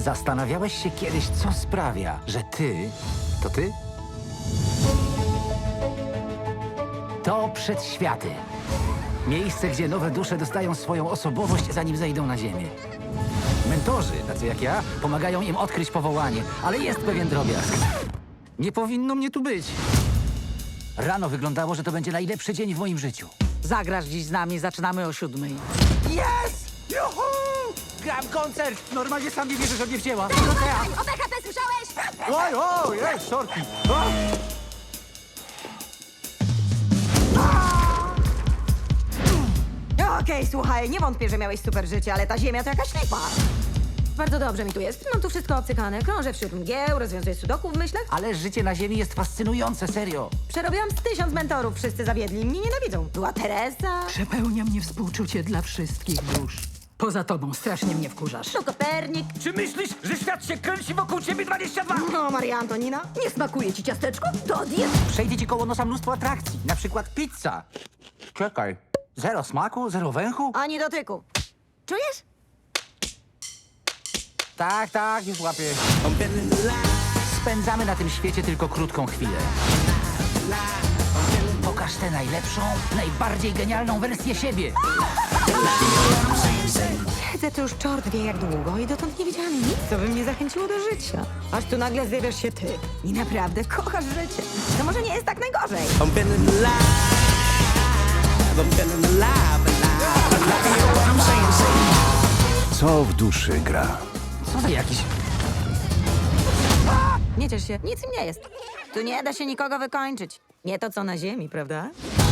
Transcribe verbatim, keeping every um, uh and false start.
Zastanawiałeś się kiedyś, co sprawia, że ty... To ty? To przedświaty. Miejsce, gdzie nowe dusze dostają swoją osobowość, zanim zejdą na ziemię. Mentorzy, tacy jak ja, pomagają im odkryć powołanie, ale jest pewien drobiazg. Nie powinno mnie tu być. Rano wyglądało, że to będzie najlepszy dzień w moim życiu. Zagrasz dziś z nami, zaczynamy o siódmej. Jest! Juhu! Gram koncert! Normalnie sam nie wierzę, że mnie wzięła. O B H P słyszałeś? Oj, oj, jest, sorki. O! No, Okej, słuchaj, nie wątpię, że miałeś super życie, ale ta ziemia to jakaś lipa. Bardzo dobrze mi tu jest. Mam tu wszystko obcykane. Krążę wśród mgieł, rozwiązuję sudoku w myślach. Ale życie na ziemi jest fascynujące, serio. Przerobiłam z tysiąc mentorów, wszyscy zawiedli i mnie nienawidzą. Była Teresa, Przepełnia mnie współczucie dla wszystkich dusz. Poza tobą strasznie mnie wkurzasz. no Kopernik, Czy myślisz, że świat się kręci wokół ciebie dwadzieścia dwa? no Maria Antonina. Nie smakuje ci ciasteczko? To odjedz. Przejdzie ci koło nosa mnóstwo atrakcji, na przykład pizza. Czekaj, zero smaku, zero węchu? Ani dotyku. Czujesz? Tak, tak, już łapię. Spędzamy na tym świecie tylko krótką chwilę. Pokaż tę najlepszą, najbardziej genialną wersję siebie. Siedzę tu już czort wie jak długo i dotąd nie widziałam nic, co by mnie zachęciło do życia. Aż tu nagle zjawiasz się ty i naprawdę kochasz życie. To może nie jest tak najgorzej. I'm feeling alive. I'm feeling alive, alive, alive. You know what I'm saying? Say Co w duszy gra? Co za jakiś... Nie ciesz się, nic im nie jest. Tu nie da się nikogo wykończyć. Nie to co na ziemi, prawda?